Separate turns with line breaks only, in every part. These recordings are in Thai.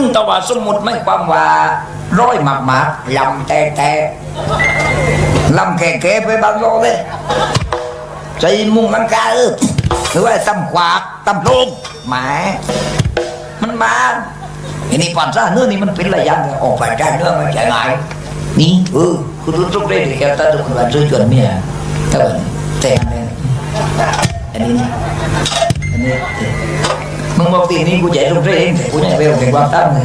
งแต่ว่าสมมุติไม่ความว่าร้อยหมากลำแต่ลำแก่ๆไปบางโลเลยใจมุ่งลังกาหรือว่าตำขวากตำโลงหมามันมาอันนี้ปัญหาเนื้อนี่มันเป็นอะไรยังออกไปได้เนื้อมันจะไงนี่คุณรู้ทุกเรื่องที่แกตัดคุณว่าช่วยชวนเมียแต่อันนี้มึงบอกทีนี้กูใหญ่ทุกเรื่องแต่กูยังเร็วถึงความตั้งเลย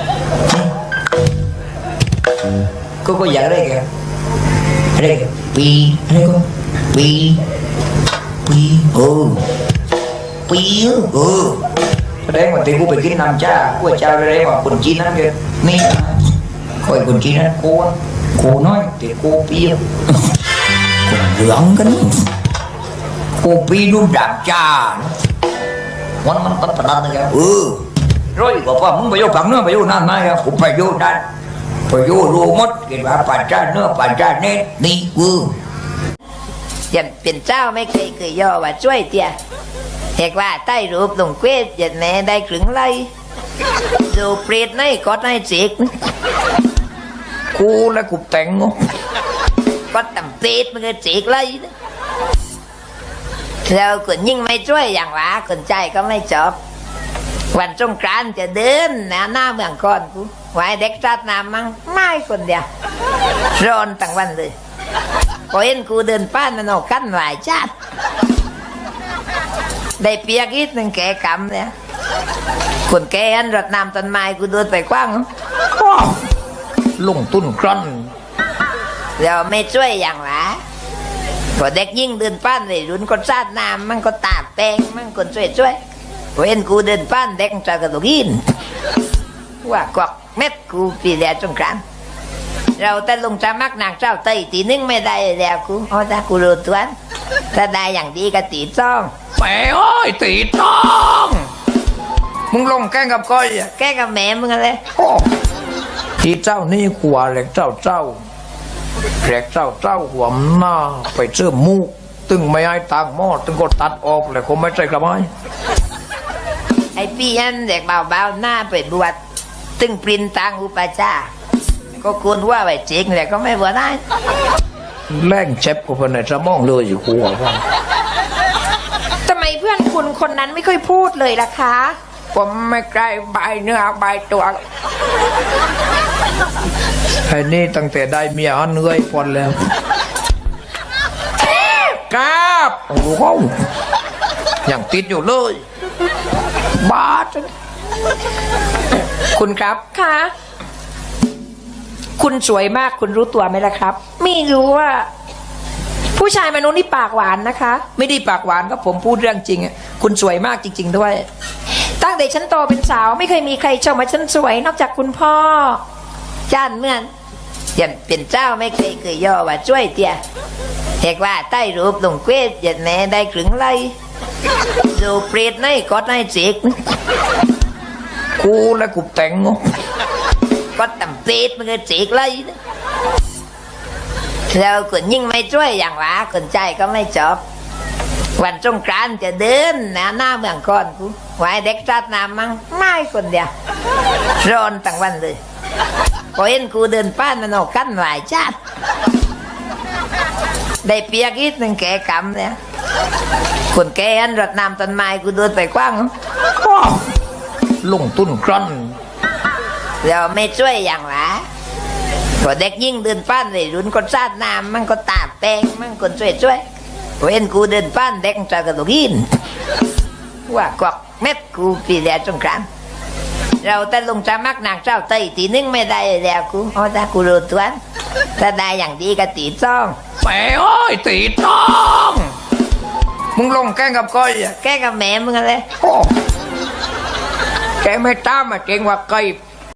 ก็อยากได้แกอะไรปีอะไรก็ปีแสดงว่าที่กูไปกินน้ำจ้ากูเจ้าอะไรว่าคนจีนนั่นแกนี่คอยคนจีนนั่นกูน้อยแต่กูปีคนเหลืองกันกูปีนุ่มดับจ้ามันตัดตัดนะแกร้อยกว่ามึงไปโยกฝั่งเนื้อไปโยกนั่นนะแกกูไปโยกนั่นไปโยกรูมดกินว่าปัจจัยเนื้อปัจจัยเน็ตนี่
ยันเป็นเจ้าไม่เคยย่อว่าช่วยเตียเหกว่าใต้รูปตรงเกวดยันแม่ได้ครึ่งไล่ดูเปรตในก็ได้จิก
กูและกูแต่ง
ก็ต่ำเปรตมันก็จิกไล่เราคนยิ่งไม่ช่วยอย่างว่าคนใจก็ไม่จบวันสงกรานต์จะเดินหน้าเมืองก่อนกูไว้เด็กจัดน้ำมั่งไม่คนเดียวร้อนตั้งวันเลยพอเห็นกูเดินป้านมันออกกันหลายชาติได้เปียกอีกหนึ่งแก่กำเนี่ยคนแก่อันรดน้ำต้นไม้กูเดินไปกว้าง
ลงตุ้นกรัน
เราไม่ช่วยอย่างหรอพอเด็กยิ่งเดินป้านเลยรุนก็ชาติน้ำมันก็ตาแป้งมันคนช่วยพอเห็นกูเดินป้านเด็กจะกระโดดยินว่ากอกเม็ดกูปีเดียวจงกรานเราแต่ลงจะมักนางเจ้าเตยตีนึงไม่ได้แล้วกูถ้ากูรู้ตัวถ้าได้อย่างดีก็ตีจ้อง
แหมโอ้ยตีจ้องมึงลงแกล้งกับก้อย
แกล้งกับแม่มึงอะไร
ตีเจ้านี่ขวาแหลกเจ้าแหลกเจ้าหัวหน้าไปเชื่อมูกตึงไม่ให้ต่างหม้อตึงก็ตัดออกเลยคงไม่ใช่กระไม้
ไอ้พี่ยันเด็กเบาๆหน้าไปบวชตึงปรินตังอุปชาก็ควรว่าไปจริงแต่ก็ไม่บวชได้
แรงเจ็บกูคนไหนจะมองเลยอยู่หัวว่า
ทำไมเพื่อนคุณคนนั้นไม่ค่อยพูดเลยล่ะคะ
ผมไม่ใกล้ใบเนื้อใบตัวไอ้นี่ตั้งแต่ได้เมียเหนื่อยพอแล้วกราบโอ้โหอย่างติดอยู่เลยบาด
คุณครับค่ะคุณสวยมากคุณรู้ตัวไหมล่ะครับไม่รู้ว่าผู้ชายมนุษย์นี่ปากหวานนะคะ
ไม่ได้ปากหวานก็ผมพูดเรื่องจริงคุณสวยมากจริงๆด้วย
ตั้งแต่ฉันโตเป็นสาวไม่เคยมีใครชมว่าฉันสวยนอกจากคุณพ่อจ้านเมื่อนยันเป็นเจ้าไม่เคยย่อว่าช่วยเตียเหกว่าใต้รูปตรงเกวดยันแม่ได้ครึ่งไล่ดูเปรตในก็ได้จิก
กูและกูแต่ง
ก็ต่ำเปรตมันก็จิกไล่เราคนยิ่งไม่ช่วยอย่างว่าคนใจก็ไม่จบวันสงกรานต์จะเดินหน้าเมืองก่อนกูไว้เด็กจัดน้ำมั่งไม่คนเดียวร้อนตั้งวันเลยพอเห็นกูเดินป้านมันออกกันหลายชาติได้เปียกอีกหนึ่งแก่กำเนี่ยคนแก่อันรดน้ำต้นไม้กูเดินไปกว้าง
ลงตุ้นกรัน
เราไม่ช่วยอย่างหรอพอเด็กยิ่งเดินป้านเลยรุนก็ชาติน้ำมันก็ตาแป้งมันคนช่วยพอเห็นกูเดินป้านเด็กจะกระโดดยินว่ากอกเม็ดกูปีเดียวจงกรานเราแต่ลงจะมักนางเจ้าเตยตีนึงไม่ได้แล้วกูถ้ากูรู้ตัวถ้าได้อย่างดีก็ตีจ้อง
แหมโอ้ยตีจ้องมึงลงแกล้งกับก้อย
แกล้งกับแม่มึงอะไร
แกไม่ตามมาเก่งว่าไก่